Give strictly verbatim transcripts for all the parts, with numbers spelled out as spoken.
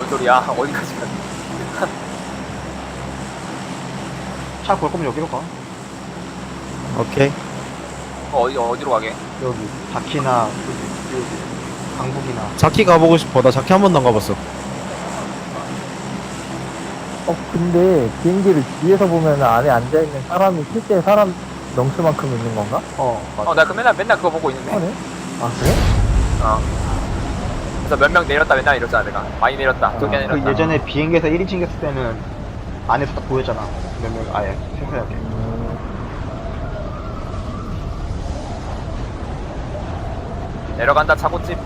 무슨 소리야? 어디까지 가? 차 볼 거면 여기로 가. 오케이. 어, 어디 어디로 가게? 여기 바키나 여기, 여기 강북이나. 자키 가보고 싶어. 나 자키 한 번도 안 가봤어. 어, 근데 비행기를 뒤에서 보면 안에 앉아있는 사람이 실제 사람 넘수만큼 있는 건가? 어 맞아. 어, 나 그 맨날 맨날 그거 보고 있는데. 하네? 아, 그래? 어. 그래서 몇 명 내렸다 맨날 이랬잖아 내가. 많이 내렸다. 두 개 그 내렸다. 예전에 비행기에서 일 인칭 했을 때는 안에서 딱 보였잖아. 몇 명 아예 생생하게. 내려간다 차고집.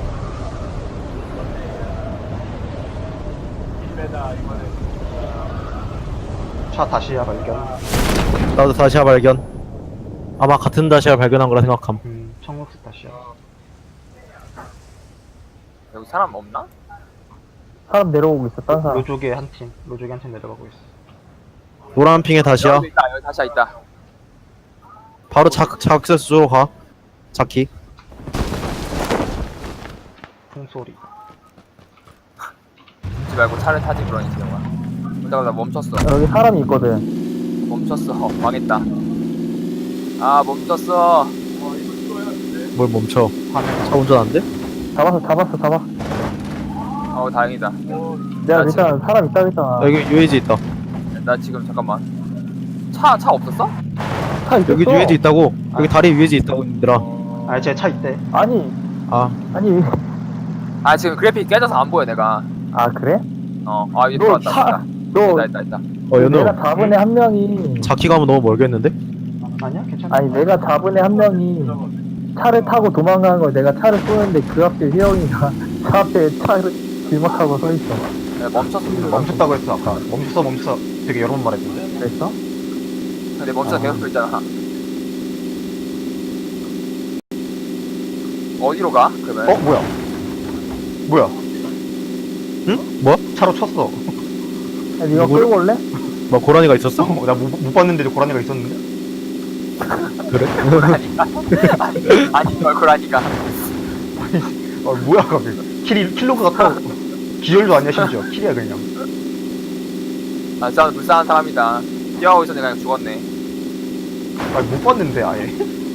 차 다시야 발견. 나도 다시아 발견. 아마 같은 다시아 발견한 거라 생각함. 음 청록색 다시야. 여기 사람 없나? 사람 내려오고 있어, 딴 사람. 로족에 한 팀, 로족에 한 팀 내려가고 있어. 노란 핑의 다시아. 여기 있다. 여기 다시 있다. 바로 자, 자악세스 쪽으로 가. 자키. 풍소리. 죽지 말고 차를 타지 그러니 지영아. 그러다가 나 멈췄어. 여기 사람이 있거든. 멈췄어. 어, 망했다. 아 멈췄어. 뭘 멈춰. 화면. 차 운전 안 돼? 잡았어, 잡았어, 잡아. 어 다행이다. 내가 나 일단 사람 있다 했잖아. 여기 유에이지 있다. 나 지금 잠깐만. 차 차 없었어? 차 있었어. 여기 유에이지 있다고. 여기 다리 유에이지 있다고 얘들아. 아, 제 차 있대. 아니, 아, 아니. 아 지금 그래픽 깨져서 안 보여 내가. 아, 그래? 어. 아 이거 너 들어왔다. 차, 있다. 너, 있다 있다 있다. 어 연우. 내가 잡은 애 한 명이, 자키 가면 너무 멀겠는데? 아니야, 괜찮아. 아니, 내가 잡은 애 한 명이 차를 타고 도망가는 걸 내가 차를 쏘는데 그 앞에 휘영이가 차 앞에 차를 길막하고 서 있어. 내가 멈췄어. 멈췄다고 했어 아까. 멈췄어, 멈췄어. 되게 여러 번 말했는데. 그랬어? 근데 멈춰서 아. 계속 그랬잖아. 어디로 가? 그러면? 어, 뭐야? 뭐야? 응? 뭐? 차로 쳤어. 야, 니가 누구를- 끌고 올래? 뭐 고라니가 있었어? 어, 나못 못 봤는데도 고라니가 있었는데. 그래? 그러니까. 아니, 아니 걸그라니까. 아, 뭐야, 갑자기. 킬이, 킬로그가 터. 기절도 아니야, 심지어. 킬이야, 그냥. 아 진짜 불쌍한 사람이다. 뛰어가고 있었는데 그냥 죽었네. 아, 못 봤는데, 아예.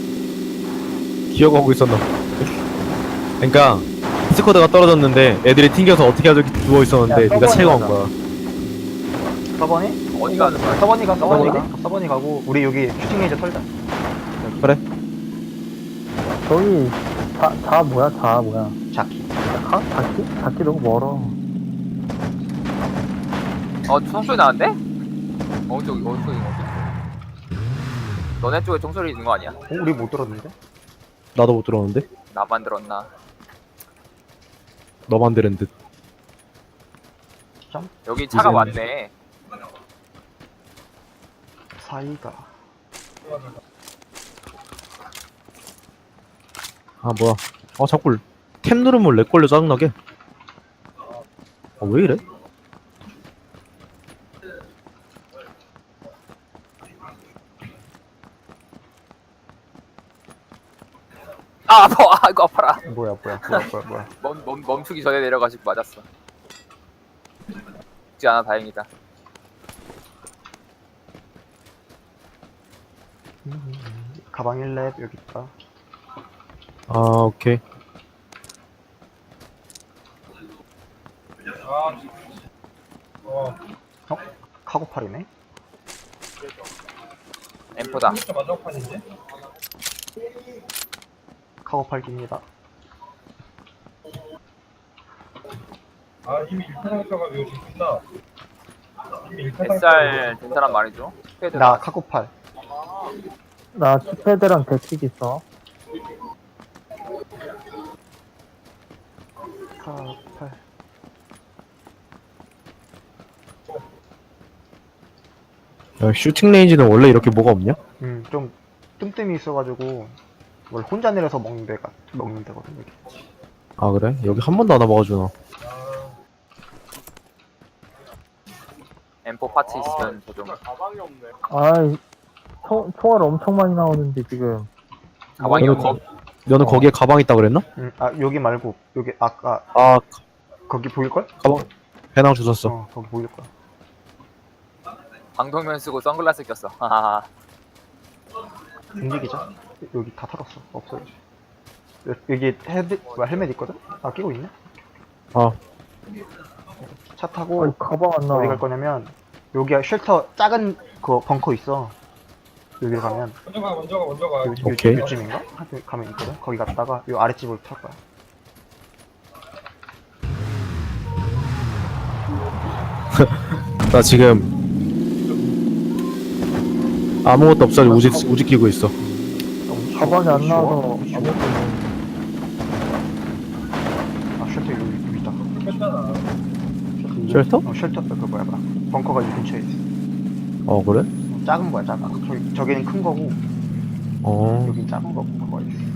기어가고 있었나? 그러니까 스쿼드가 떨어졌는데 애들이 튕겨서 어떻게 하지 누워 있었는데 야, 네가 채가 온 서버니 거야. 서버니? 어디 가는 거야? 서버니 가, 서버니 가. 서버니? 서버니 가고, 우리 여기 슈팅 레이저 털자. 여기. 그래? 저기, 자, 자 뭐야, 자 뭐야. 자키. 자? 자키? 자키 너무 멀어. 어 총소리 나는데? 어디 쪽이 어디 쪽이 어디? 너네 쪽에 총소리 있는 거 아니야? 어, 우리 못 들었는데? 나도 못 들었는데? 나만 들었나? 너만 들은 듯. 여기 차가 이제는- 많네. 사이가. 아 뭐야? 아 자꾸 탭 누르면 렉 걸려 짜증나게. 아 왜 이래? 아 아파. 아 이거 아파라. 뭐야, 뭐야, 뭐야, 뭐야, 뭐야. 멈, 멈, 멈추기 전에 내려가지고 맞았어. 죽지 않아 다행이다. 가방 일 렙 여기 있다. 아 오케이. 어? 카고팔이네? 엠포다. 카고팔기입니다. 아 이미 일 탄 상태가 요즘 끝나. 이미 일 탄 뱃살 된 사람 말이죠. 스페드. 나 카고팔. 나 치패드랑 대치기 있어. 카고팔. 야, 슈팅 레인지는 원래 이렇게 뭐가 없냐? 음, 좀 뜸뜸이 있어가지고 원래 혼자 내려서 먹는 데가 먹는 데거든 여기. 아 그래? 여기 한 번도 안 와봐가지고 나. 엠포 파츠 있으면 저 좀. 아이, 총, 총알 엄청 많이 나오는데, 지금. 가방이 너는, 없네. 거, 너는 어. 거기에 가방 있다 그랬나? 음, 아 여기 말고 여기 아까 아 거기 보일 걸? 가방 배낭 주웠어. 어 거기 보일 거야. 방독면 쓰고 선글라스 꼈어. 하하하. 움직이자. 여기 다 털었어. 없어 이제. 여- 여기 헤드 뭐야 헬멧 있거든? 아 끼고 있네. 어. 차 타고 어이, 가방 안 나와. 어디 갈 거냐면 여기 쉘터 작은 그 벙커 있어. 여기를 가면 먼저 가 먼저 가 먼저 가. 요, 요, 오케이. 요쯤인가? 하여튼 가면 있거든. 거기 갔다가 요 아랫집으로 탈 거야. 나 지금 아무것도 없어. 우직 우직 끼고 있어. 너무 가방이 안 쉬워. 나와서 쉬워. 아무것도 아 쉘터 여기, 여기 있다. 괜찮아. 쉘터? 어 쉘터 그 뭐야 뭐야. 벙커가 이 근처에 있어. 어 그래? 어, 작은 거야 작은 거. 저기 저기는 큰 거고 어. 여긴 작은 거고 그거 있어.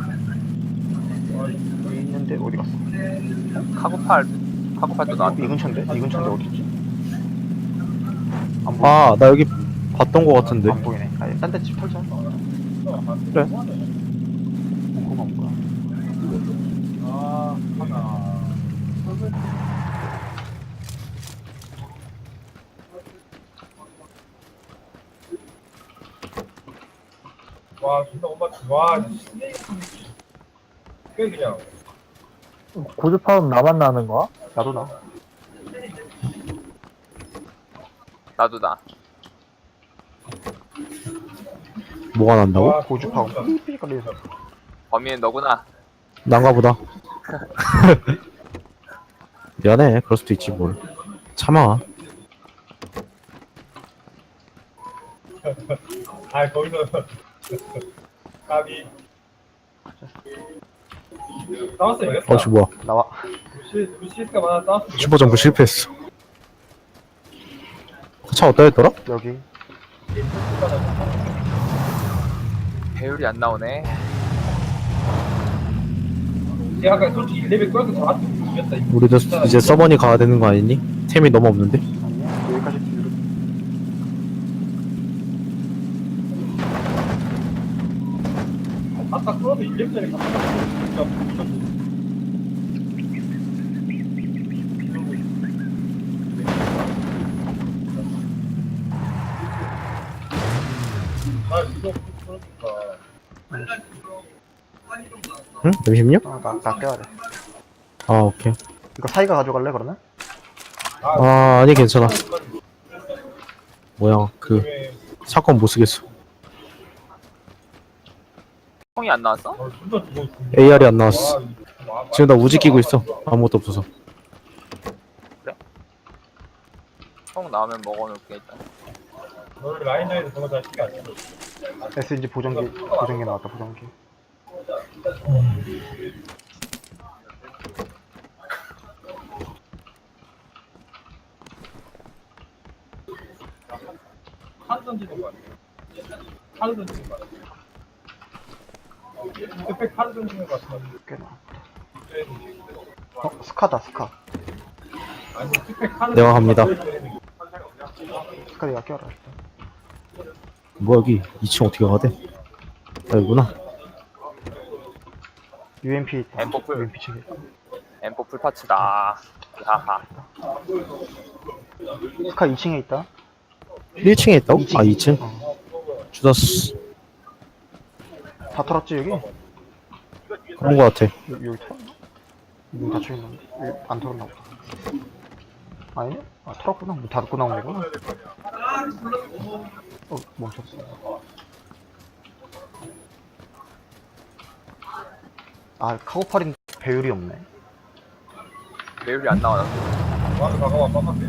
여기 있는데 어디 갔어? 카고팔 카고팔도 이 나왔다. 근처인데? 이 근처인데 어디 있지? 안 보여. 아 나 여기 봤던 거 같은데. 안 보이네. 아니 딴데 집 털자. 그래. 벙커가 온 거야. 아 하나. 와 진짜 엄마 와 꽤 그냥 고주파음 나만 나는 거야? 나도 나. 나도 나. 뭐가 난다고? 와, 고주파고 진짜. 삐삐거리면서. 범인은 너구나. 난가 보다. 미안해. 그럴 수도 있지 뭘. 참아. 아 거기서 까비 싸웠어요 이겼다. 어씨 뭐야. 나와. 루시 루시스가 많아 싸웠어. 슈퍼점프 실패했어. 차 어디다 했더라? 여기. 배율이 안 나오네. 내가 아까 솔직히 일 레벨 끌고 잡았으면 이겼다. 이거. 우리도 진짜 이제 서버니 가야 되는 거 아니니? 템이 너무 없는데? 아니야. 여기까지 뒤로. 아까 끌어도 일 레벨짜리 갔다 진짜 무슨 아 이거 그러니까 응? 잠시만요. 아, 나, 나 껴야 돼. 아 오케이. 이거 사이가 가져갈래, 그러면? 아 아니 괜찮아. 뭐야 그 왜 사건 못 쓰겠어. 총이 안 나왔어? 어, 진짜 죽어. 에이알이 안 나왔어. 와, 와, 지금 나 우지 끼고 있어. 아무것도 없어서. 총 나오면 먹어놓을게 일단. 너를 라인전에서 저거 잘 신경 안 써. 에스엔지 보정기, 보정기 나왔다, 보정기. 카드 던지는 거 같아. 카드 던지는 거 같아. 그때 카드 던지는 거 같아. 꽤 나왔다. 어, 스카다, 스카. 아니, 스펙 카드 내가 갑니다. 스카 내가 껴라, 일단. 뭐야 여기 이 층 어떻게 가야 돼? 여기구나. 유엠피 있다. 엠포풀. 유엠피 책에. 엠포 풀파츠다. 하하. 스카 이 층에 있다. 일 층에 있다고? 아 이 층? 어. 주다스. 다 털었지, 여기? 그런 거 같아. 여, 여기 털었나? 문 닫혀있는데? 여기 안 털었나 보다. 아니네? 아, 털었구나. 문 닫고 나온 거구나. 어, 멈췄어. 아, 카고팔인 배율이 없네. 배율이 안 나와. 와서 가가와 깜빡해.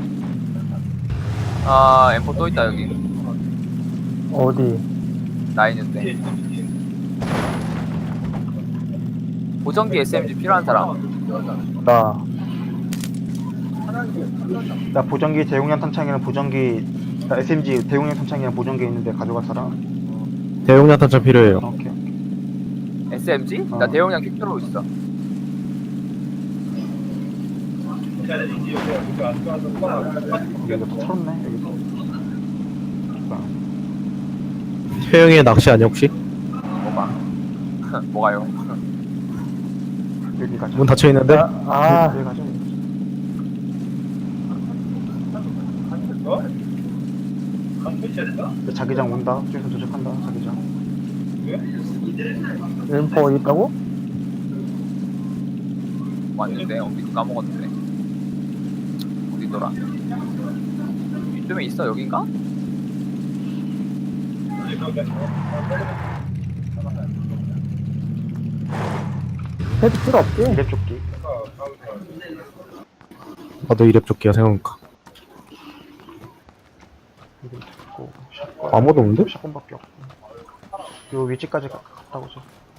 아 엠포 또 있다 여기. 어디? 나 있는데. 보정기 에스엠지 필요한 사람. 나. 나 보정기 대용량 탄창이랑 보정기, 나 에스엠지 대용량 탄창이랑 보정기 있는데 가져갈 사람? 대용량 탄창 필요해요. 오케이. 에스엠지? 어. 나 대용량 킥트로 있어. 여기도 다 털었네, 여기도. 아, 태영이의 낚시 아니야 혹시? 뭐가? 뭐가요? 여기 가자. 문 닫혀 있는데? 아, 아, 여기 가자. 어? 한 표시했어? 자기장 온다. 저기서 도착한다. 자기장. 왜? 엠포 어디 있다고? 왔는데 어디 까먹었는데. 어디더라? 이쯤에 있어 여긴가? 해도 필요 없지? 이랩 조끼. 나도 이랩 조끼야 생각하니까. 이랩 조끼고 샷건. 아무도 없는데? 샷건밖에 없고. 요 위치까지 가- 갔다 오자.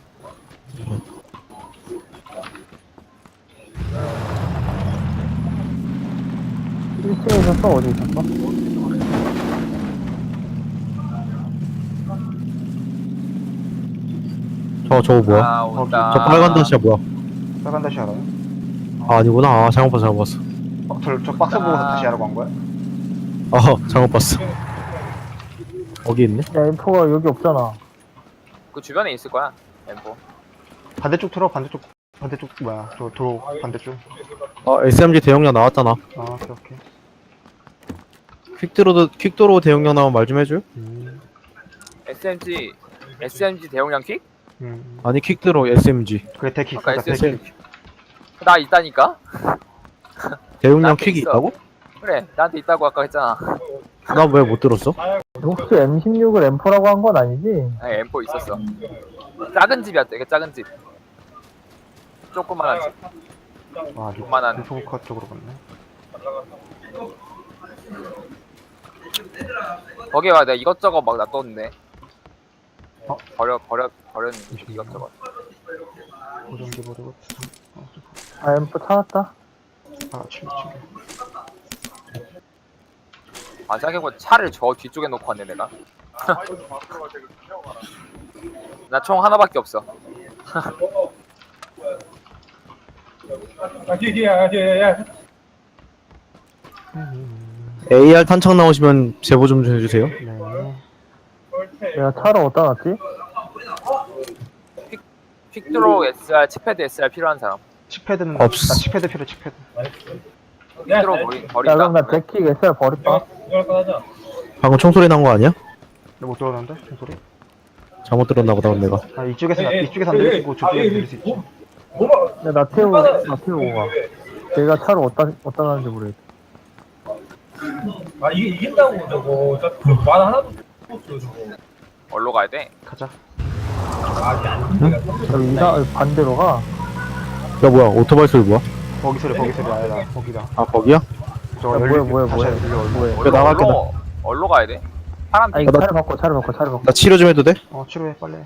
일 층에 있었어? 어디 있었어? 저 저거 뭐야? 아 온다. 저 빨간 다시야 뭐야? 빨간 다시 알아요? 아 아니구나. 아 잘못 봤어 잘못 봤어. 어, 저, 저 박스 보고서 아. 다시 하라고 한 거야? 아 잘못 봤어. 거기 있네. 야 엠포가 여기 없잖아. 그 주변에 있을 거야. 엠포. 반대쪽 틀어, 반대쪽. 반대쪽, 뭐야. 저 도로 반대쪽. 아 에스엠지 대용량 나왔잖아. 아, 오케이, 오케이. 퀵드로도 퀵도로 대용량 나오면 말 좀 해줘. 음, 에스엠지 에스엠지 대용량 킥? 음. 아니 퀵드로 에스엠지 그래, 데킥. 아까 그러니까 에스엠지. 데킥. 나 있다니까? 대용량 나한테 퀵이 있어. 있다고? 그래 나한테 있다고 아까 했잖아. 나 왜 못 들었어? 혹시 엠 십육을 엠포라고 한 건 아니지? 아니 엠포 있었어. 작은 집이었대. 이게 작은 집. 조그만한 집. 아, 리, 그만한- 리포커 쪽으로 갔네. 거기에 와 내가 이것저것 막 놔뒀는데. 어? 버려 버려 버렸는데 이것저것. 고정기 버리고. 어, 아 엠포 찾았다. 아, 챙겨, 챙겨. 아 생각해보면 차를 저 뒤쪽에 놓고 왔네 내가. 나 총 하나밖에 없어. 아, 뒤에, 뒤에, 아, 뒤에, 야. 에이알 탄창 나오시면 제보 좀 해주세요. 네. 내가 차를 어디다 놨지? 퀵드로 에스알, 칩패드 에스알 필요한 사람. 칩패드는. 없어. 나 칩패드 필요, 칩패드. 퀵드로 버리, 야 버린다. 그럼 나 데킥 에스알 버릴까? 이걸 꺼내자. 방금 총소리 난 거 아니야? 너 못 들었는데? 그 소리? 잘못 들었나 보다 내가. 아, 이쪽에서, 에이, 에이, 이쪽에서 안 에이, 들리고 에이, 저쪽에서 아, 들릴 수 있지. 뭐, 뭐가, 야, 나 태우고 나 태우고 가. 내가 차를 어디다 어디다 놨는지 모르겠어. 아, 이게 이긴다고, 저거. 저말 하나도 없어, 저거. 어디로 가야 돼? 가자. 아, 이게 안 돼. 여기 이사 반대로 가. 야 뭐야 오토바이 소리 뭐야? 거기 소리, 거기 소리 아니라, 거기다. 아 거기야? 저 야, 뭐야, 뭐야, 뭐야. 뭐야? 어디로, 나갈게, 어디로, 어디로 가야 돼? 파란 아니 핑. 나- 차를 바꿔 차를 바꿔 차를 바꿔. 나 치료 좀 해도 돼? 어, 치료해, 빨리.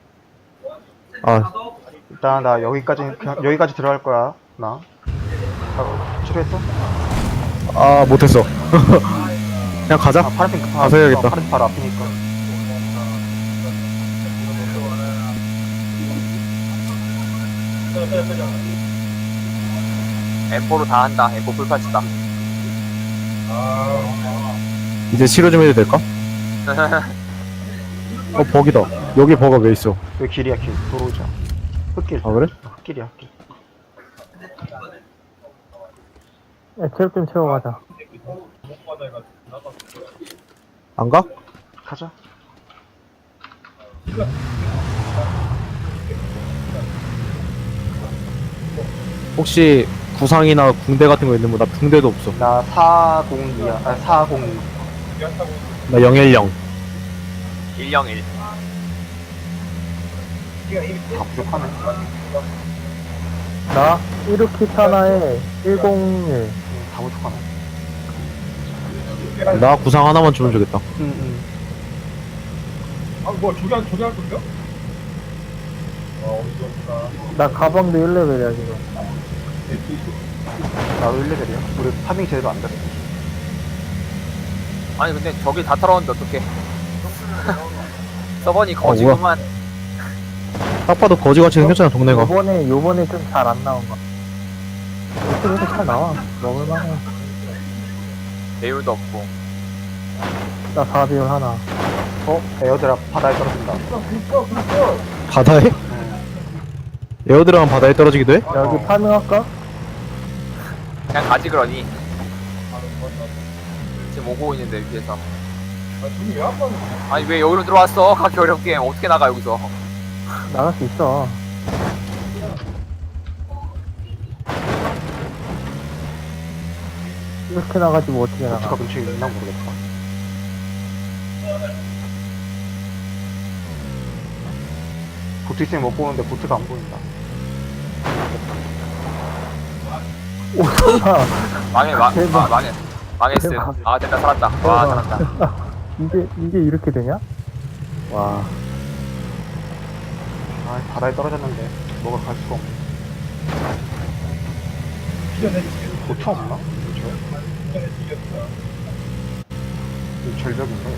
아 일단, 나 여기까지, 그냥, 여기까지 들어갈 거야. 나. 아, 치료했어? 아 못했어. 그냥 가자. 아, 파란핑, 아, 가서 해야겠다. 어, 파란핑 바로 앞이니까. 엠포로 다 한다. 엠포 불파치다. 이제 치료 좀 해도 될까? 어 버기다. 여기 버가 왜 있어? 여기 길이야, 길. 도로자. 흙길. 아 그래? 어, 흙길이야, 흙길. 야, 체력 좀 채워 가자. 안 가? 가자. 혹시 구상이나 붕대 같은 거 있는 거? 나 붕대도 없어. 나 사공이야. 아, 사공이. 나 영일영. 일영일. 다 부족하네. 나 이르킷 하나에 백일. 응, 다 부족하네. 나 구상 하나만 주면 좋겠다. 응, 응. 아, 뭐, 저기 한, 저기 할 건가? 어, 어디 없다. 나 가방도 일 레벨이야 지금. 나도 일 레벨이야. 우리 파밍 제대로 안 됐어. 아니 근데 저기 다 털었는데 어떡해. 서버니 뭐야. 거지구만. 딱 봐도 거지같이 생겼잖아 동네가. 요번에 요번에 좀 잘 안 나온 거. 이쪽에서 잘 나와. 먹을만해. 배율도 없고. 나 사 비율 하나. 어? 에어드랍 바다에 떨어진다. 바다에? 응. 에어드랍은 바다에 떨어지기도 해? 여기 어. 파밍할까? 그냥 가지 그러니. 지금 오고 있는데 위에서. 아, 둘이 왜안 맞는 거야? 아니 왜 여기로 들어왔어? 가기 어려운 게임 어떻게 나가 여기서? 나갈 수 있어. 이렇게 나가지 뭐 어떻게 보트가 나가. 근처에 있나 모르겠다. 보트 있으면 못 보는데 보트가 안 보인다. 오, 설마. 망해 망 대박. 아, 망해 망했음. 대박. 아 됐다 살았다. 와 살았다. 이게, 이게 이렇게 되냐? 와. 아, 바다에 떨어졌는데 뭐가 갈 수가 없네. 피겨내줄게. 보트 없나? 그쵸? 피겨내주겠다. 여기 절벽인가?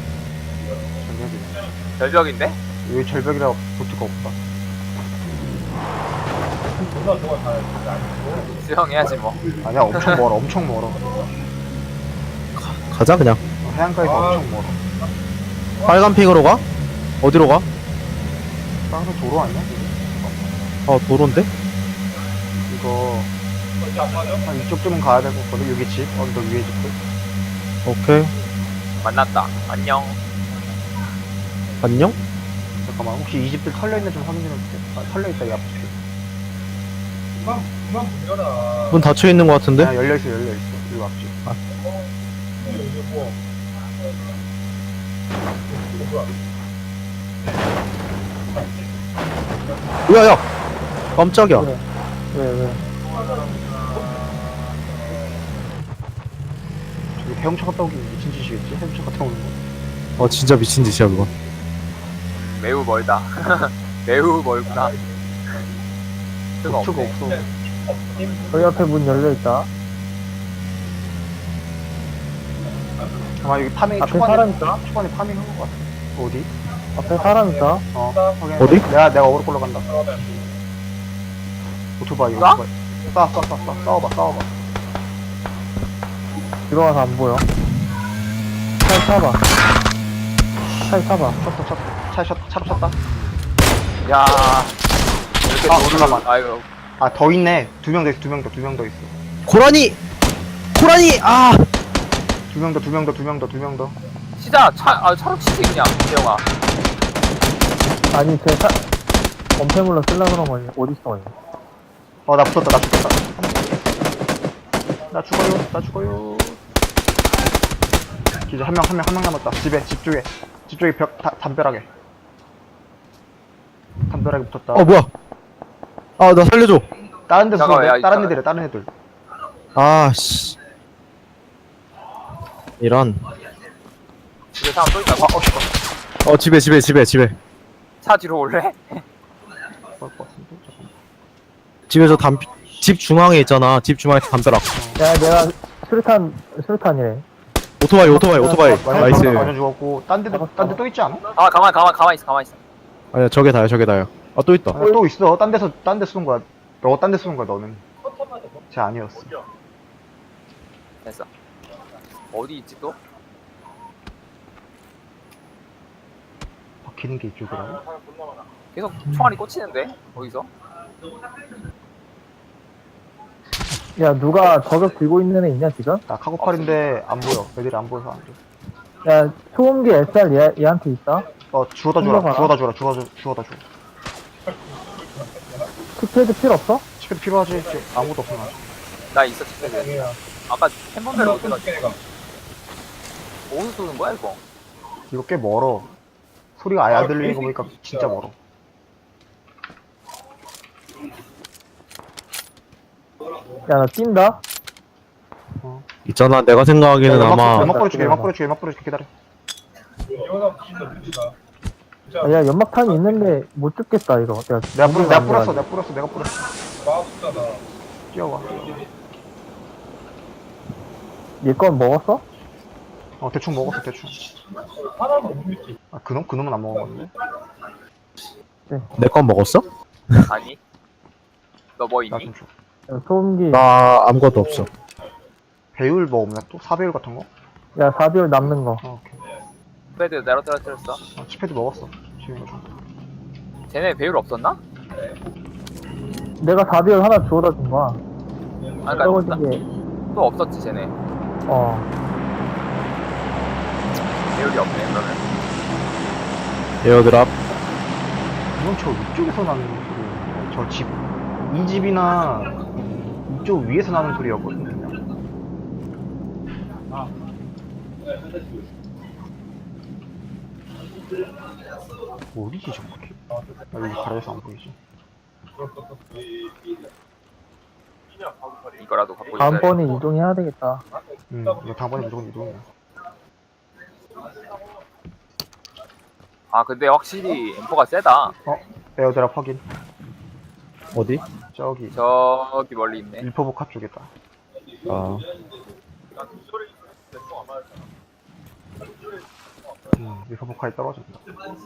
절벽이네. 절벽인데? 여기 절벽이라 보트가 없다. 존나 좋아, 다. 아니고. 수영해야지 뭐. 아니야, 엄청 멀어, 엄청 멀어. 가자 그냥. 어, 해안가에서 아. 엄청 멀어. 빨간 핑으로 가? 어디로 가? 땅에 도로 아니야? 어 도로인데? 이거 어디 안 맞아? 한 이쪽쯤은 가야 될 것 같거든. 여기 집, 언덕 위에 집들. 오케이. 만났다. 안녕. 안녕? 잠깐만, 혹시 이 집들 털려있나 좀 확인해 볼게. 아, 털려있다, 이 앞집. 그만, 그만 문 열어. 문 닫혀 있는 것 같은데? 아, 열려있어, 열려있어. 이 앞집. 이거 뭐. 이거 뭐야? 야야! 깜짝이야. 왜, 왜, 왜. 저기 해엄차 갔다 오기 미친 짓이겠지? 해엄차 갔다 오는 거. 어 진짜 미친 짓이야 그건. 매우 멀다. 매우 멀구나. 수가 보트가 없네. 없어. 저희 앞에 문 열려있다. 아마 여기 파밍 앞에 초반에, 사람 있다? 초반에 파밍 한 것 같아. 어디? 앞에 사람 있다. 어, 확인. 어디? 내가, 내가 어그로 끌러 간다. 오토바이, 나? 오토바이. 싸, 싸, 싸, 싸, 싸워봐, 싸워봐. 들어와서 안 보여. 차에 타봐. 차에 타봐. 쳤다, 쳤다. 차에 쳤다, 차로 쳤다. 야 이렇게 아, 도를 잠깐만. 아이고 아, 더 있네. 두 명 더 있어, 두 명 더, 두 명 더 있어. 고라니! 고라니! 아! 두 명 더, 두 명 더, 두 명 더, 두 명 더. 시작 차 아 차로 치지 그냥 대영아. 아니, 제 차, 엄폐물로 쓸라 그런 거니. 어딨어, 이거. 어, 나 붙었다, 나 죽었다. 나 죽어요, 나 죽어요. 이제 한 명, 한 명, 한 명 남았다. 집에, 집 쪽에. 집 쪽에 벽, 다, 담벼락에. 담벼락에 붙었다. 어 뭐야? 아 나 살려줘. 다른 데서 잠깐만, 쏘는데? 야, 다른 잠깐- 애들이야, 다른 애들. 아 씨. 이런. 집에 사람 또 있다고? 아, 어, 씨발. 어 집에 집에 집에 집에. 차 뒤로 올래? 그럴 것 같은데? 잠깐만. 집에서 담. 집 중앙에 있잖아. 집 중앙에 담벼락. 야, 내가 수류탄, 수류탄이래. 오토바이 오토바이 오토바이. 완전 나이스. 죽었다, 완전 죽었고. 딴 데도, 딴 데 또 있지 않아? 아 가만 가만 가만 있어 가만 있어. 아니야 저게 다야 저게 다야. 아 또 있다. 아, 또 있어. 딴 데서, 딴 데 쏘는 거야. 너 딴 데 쏘는 거야, 너는. 쟤 아니었어. 됐어. 어디 있지 또? 박히는 게 이쪽이라고? 계속 총알이 꽂히는데 거기서? 야, 누가 저격 들고 있는 애 있냐, 지금? 나 카고팔인데 안 보여. 애들이 안 보여서 안 돼. 야, 소음기 에스알 얘, 얘한테 있다? 어, 주워다 주라. 흘러가라. 주워다 주라. 주워다 주, 주워다 줘. 키패드 필요 없어? 치킨 필요하지? 이제 아무것도 없어, 나. 나 있어 집에. 아니야. 아까 캔번벨 어디 나 갔지? 내가. 어디서 쏘는 거야 이거? 이거 꽤 멀어. 소리가 아예 안 들리는 거 보니까 진짜 멀어. 야, 나 뛴다? 있잖아 내가 생각하기에는 연막, 아마 연막 뿌려줄게, 연막 뿌려줄게, 연막 뿌려줄게. 기다려. 이거나 진짜 느리다. 아, 야, 연막탄이 있는데 못 죽겠다, 이거. 내가, 내가 뿌려, 내가 안 뿌렸어, 들어가지고. 내가 뿌렸어, 내가 뿌렸어. 마우스잖아. 뛰어와. 얘 건 먹었어? 어, 대충 먹었어, 대충. 하나도 못 믿지. 아, 그놈? 그놈은 안 먹어봤네. 내 건 먹었어? 아니. 너 뭐 나 있니? 좀 줘. 야, 소음기. 나 아무것도 없어. 배율 뭐 없나 또? 사배율 같은 거? 야, 사비올 남는 거. 어, 오케이. 패드 내려 떨어뜨렸어. 아, 치패드 먹었어. 지금 이거 좀. 쟤네 배율 없었나? 내가 사비올 하나 주워다 준 거야. 아니 그니까 떨어진 게, 또 없었지 쟤네. 어. 배율이 없네 그러면. 에어드랍. 이건 저 위쪽에서 나는 소리. 저 집, 이 집이나 이쪽 위에서 나는 소리였거든, 그냥. 어디지, 정확히? 아, 여기 가려서 안 보이지. 이거라도 갖고 있어야 돼. 다음번에 이동해야 되겠다. 음, 이거 다음번에 무조건 이동이야. 아 근데 확실히 엠포가 세다. 어? 에어드랍 확인. 어디? 저기, 저기 멀리 있네. 일포복합 쪽이다. 아, 음, 일포복합이 떨어진다.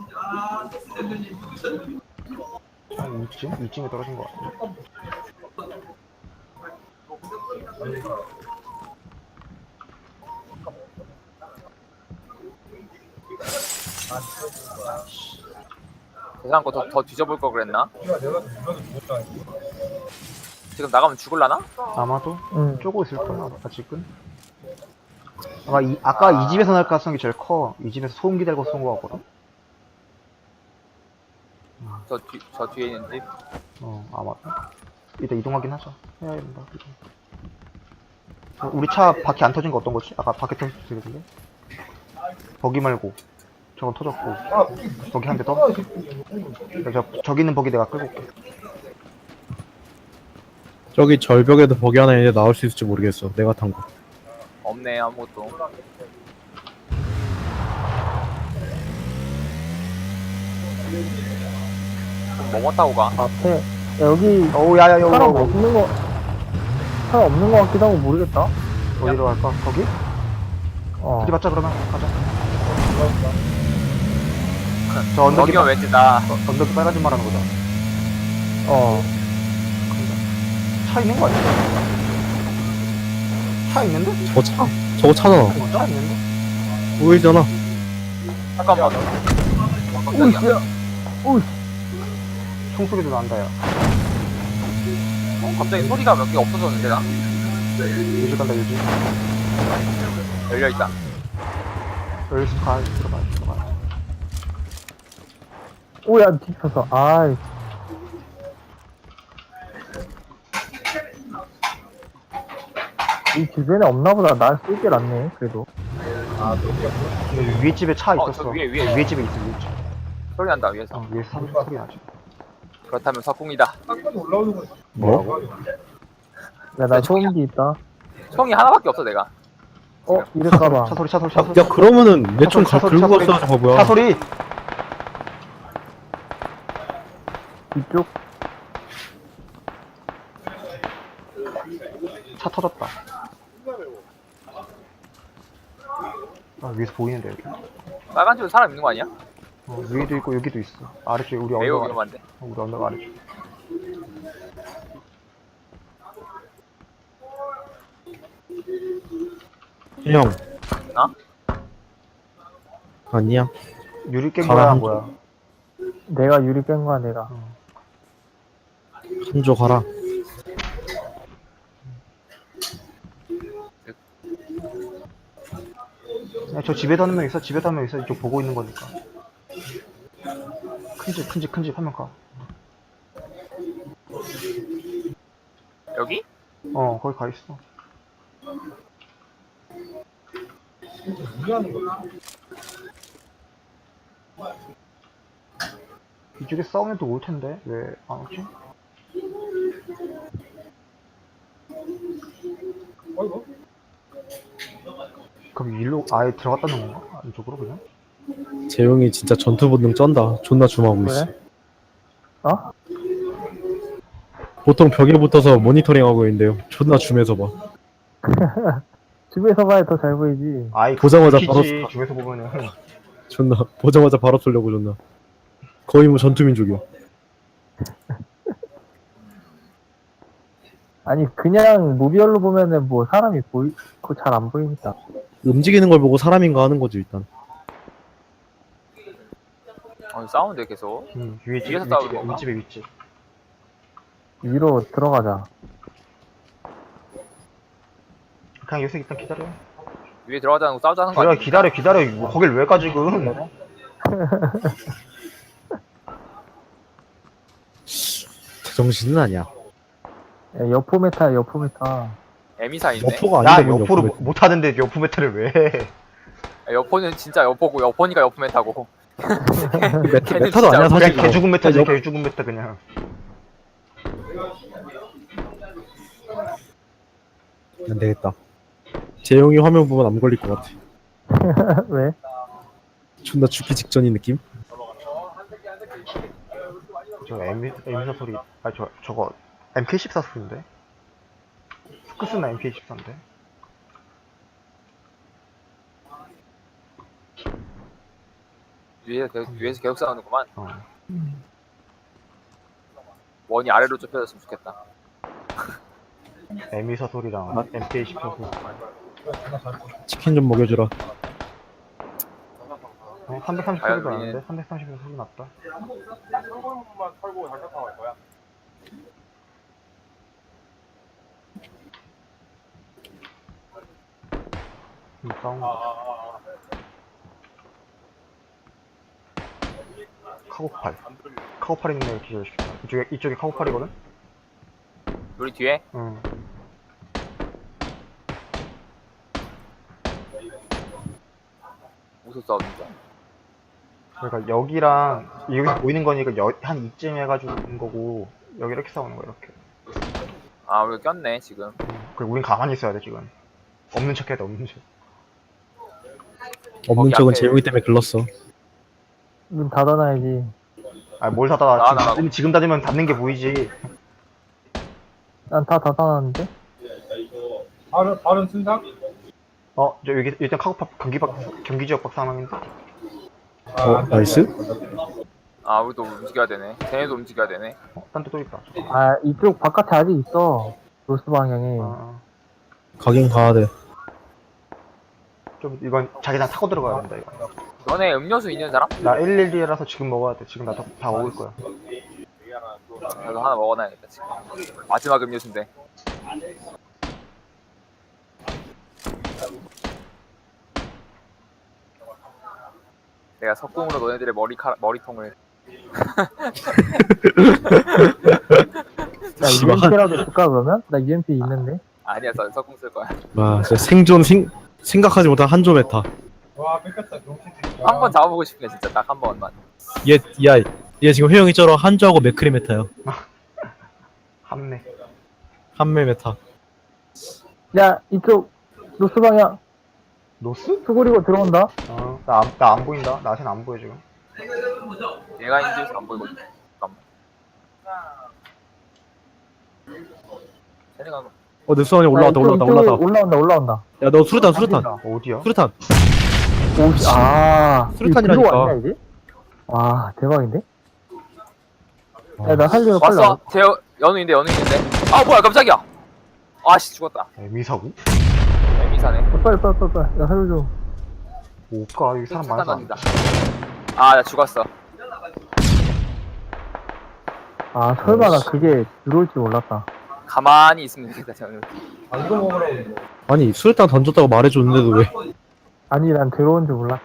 한 이쯤? 이쯤에 떨어진 것 같아. 세상 거더 더 뒤져볼 걸 그랬나? 내가 내가 누나도 죽었다. 지금 나가면 죽을라나? 아마도 응. 쪼고 있을 거야, 아직은. 아마 이, 아까 이 집에서 날 가능성이 제일 커. 이 집에서 소음기 달고 쏜 거 같거든. 저, 뒤, 저 뒤에 있는 집. 어, 아마도. 일단 이동하긴 하자. 해야 된다. 이동. 어, 우리 차 바퀴 안 터진 거 어떤 거지? 아까 바퀴 터졌는데? 버기 말고. 저건 터졌고. 버기 한 대 더? 저, 저기 있는 버기 내가 끌고 올게. 저기 절벽에도 버기 하나 있는데 나올 수 있을지 모르겠어. 내가 탄 거. 없네 아무것도. 그럼 뭐뭐 타고 가? 앞에 야, 여기 어우, 야, 야, 야, 사람 야, 야. 없는 거 사람 없는 거 같기도 하고 모르겠다. 어디로 갈까? 거기? 어. 어디 맞자, 그러면. 가자. 저 언덕이, 저기가 왠지 나 어, 언덕이 빨간색 말하는 거다. 어. 차 있는 거 아니야? 차 있는데? 저거 차, 저거 차잖아. 어, 차 있는데? 보이잖아. 잠깐만. 오이 깜짝이야. 야. 오이. 총소리도 난다, 야. 어, 갑자기 소리가 몇 개 없어졌는데 나? 요즘 간다, 요즘. 열려 있다. 여기서 가, 들어가, 들어가. 오야 뒤집혔어. 아이. 이 주변에 없나 보다. 날 쏠게 낫네. 그래도. 근데 위에 집에 차 어, 있었어. 저 위에, 위에. 위에 집에 있어, 위에 집에. 소리 난다 위에서. 어, 위에서 소리, 소리 나지. 그렇다면 석궁이다. 딱 올라오는 거. 뭐라고? 야 나 소음기 있다. 총이 하나밖에 없어 내가. 어 이럴까봐. 차 소리, 차 소리, 차 소리. 야, 그러면은 내 총 차 소리, 긁고 차 소리. 갔어, 저거 뭐야. 차 소리! 뒤쪽. 차 터졌다. 아, 위에서 보이는데, 여기. 빨간 집에 사람 있는 거 아니야? 어, 위에도 있고, 여기도 있어. 아래쪽에 우리 매우 언덕 아래. 위험한데. 어, 우리 언덕 아래쪽. 형. 어? 아니야. 유리 깬 가라, 거야, 한 뭐야? 내가 유리 깬 거야 내가. 한조 가라. 야, 저 집에도 한 명 있어, 집에도 한 명 있어. 이쪽 보고 있는 거니까. 큰 집, 큰 집, 큰 집 한 명 가. 여기? 어, 거기 가 있어. 무리하는 거야. 이쪽에 싸우면 또 올 텐데 왜 안 오지? 어이구. 그럼 일로 아예 들어갔다는 건가? 이쪽으로 그냥? 재용이 진짜 전투 본능 쩐다. 존나 줌하고 있어. 그래? 어? 보통 벽에 붙어서 모니터링하고 있는데요. 존나 줌해서 봐. 집에서 봐야 더 잘 보이지. 아이 보자마자 키지, 바로 쏴. 중에서 보면은 존나 보자마자 바로 쏠려고 존나. 거의 뭐 전투민족이야. 아니 그냥 무비얼로 보면은 뭐 사람이 보이, 잘 안 보이니까. 움직이는 걸 보고 사람인가 하는 거지 일단. 어 싸우는데 계속. 음, 위에 집, 위에서 윗집에, 싸우는 건가? 윗집에 윗집. 위로 들어가자. 그냥 여기서 일단 기다려. 위에 들어가자는 거 싸우자는 거 그래 아니야? 기다려 기다려 뭐 거길 왜 가 지금? 제정신은 아니야. 야, 여포 메타 여포 메타. 에미사 있네. 여포가 나 아닌데 뭔 여포를 여포 못- 못하는데 여포 메타를 왜 해? 야, 여포는 진짜 여포고 여포니까 여포 메타고. 메타, 걔는 메타도 진짜 아니야 사실. 그냥 개죽은 메타지 여- 개죽은 메타 그냥. 안 되겠다. 재용이 화면 보면 안 걸릴 것 같아. 왜? 존나 죽기 직전인 느낌? 저 M M4 소리 아 저 저거 엠케이 십사 소리인데? 스크스나 엠케이 십사인데? 위에서 계속, 위에서 계속 싸우는구만. 어. 원이 아래로 좁혀졌으면 좋겠다. 엠이사 소리랑 엠케이 십사 소리. 치킨 좀 먹여주라. 어, 삼백삼십 아유, 소리도 예. 나는데 삼백삼십에서 소리 났다. 만 털고 장착하고 할 거야. 음, 싸운 거. 카고팔. 카고팔 있는 애 기절시켰다. 이쪽에 이쪽에 카고팔이거든? 우리 뒤에 응. 무슨 싸우는지. 그러니까 여기랑 여기서 보이는 거니까 여, 한 이쯤 해가지고 있는 거고 여기 이렇게 싸우는 거야 이렇게. 아 우리 꼈네 지금. 응. 그리고 우린 가만히 있어야 돼 지금. 없는 척해야 돼 없는 척. 없는 거기 척은 앞에- 재용이 때문에 글렀어. 문 닫아놔야지. 아 뭘 닫아? 나, 나, 지금, 지금 닫으면 닫는 게 보이지. 난 다 닫아놨는데. 다른 다른 순상? 어, 저 여기 일단 카고팔 경기 박 경기 지역 박 상황인데. 어, 나이스? 아 우리도 움직여야 되네. 쟤네도 움직여야 되네. 어, 딴 데 또 있다. 아 이쪽 바깥에 아직 있어. 노스 방향에. 아, 가긴 가야 돼. 좀 이건 자기장 타고 들어가야 된다 이거. 너네 음료수 있는 사람? 나 일일이라서 지금 먹어야 돼. 지금 나 다 먹을 거야. 나도 하나 먹어놔야겠다 지금. 마지막 음료수인데. 내가 석궁으로 너네들의 머리카 머리통을. 나 씨발. 유엠피라도 줄까 그러면? 나 유엠피 있는데. 아니야, 저 석궁 쓸 거야. 와, 진짜 생존 생, 생각하지 못한 한조 메타. 와 뺏겼다 정신. 한 번 잡아보고 싶네 진짜 딱 한 번만. 얘, 야, 얘 지금 회영이 쩔어 한조하고 맥크리 메타야. 함내. 한매 메타. 야 이쪽 노스 방향 노스? 수그리고 들어온다. 어, 나 안 나 안 보인다. 나한테는 안 보여 지금. 얘가 인지에서 안 보이거든. 잠깐만. 쟤네가 어, 내 수환이 올라왔다, 야, 이쪽, 올라왔다, 이쪽에 올라왔다. 올라온다 올라온다. 야, 너 수류탄, 수류탄. 어디야? 수류탄. 오씨 아 수류탄이라니까. 이거 아니야 이제? 와 대박인데? 야 나 살리면 빨리 왔어. 제 연우인데 연우인데. 아 뭐야 깜짝이야. 아씨 죽었다. 에미사고? 애미사네. 와. 빨리 빨리 빨리 빨리 나 살려줘. 오까 여기 사람 많아서. 안 돼. 아나 죽었어. 아 설마 나 그게 들어올 줄 몰랐다. 가만히 있으면 되겠다 저는. 아 이거 먹으라고 이거. 아니, 수류탄 던졌다고 말해줬는데도 왜. 아니 난 들어온 줄 몰랐.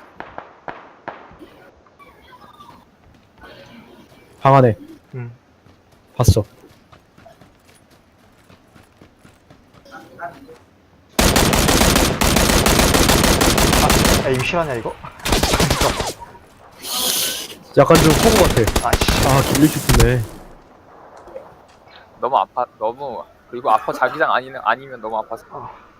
방 안에. 응. 봤어. 야 이거 실화냐 이거? 약간 좀 호구 같아. 아 씨. 아, 길리 싶네. 너무 아파 너무 그리고 아파 자기장 아니면 아니면 너무 아파서. 아.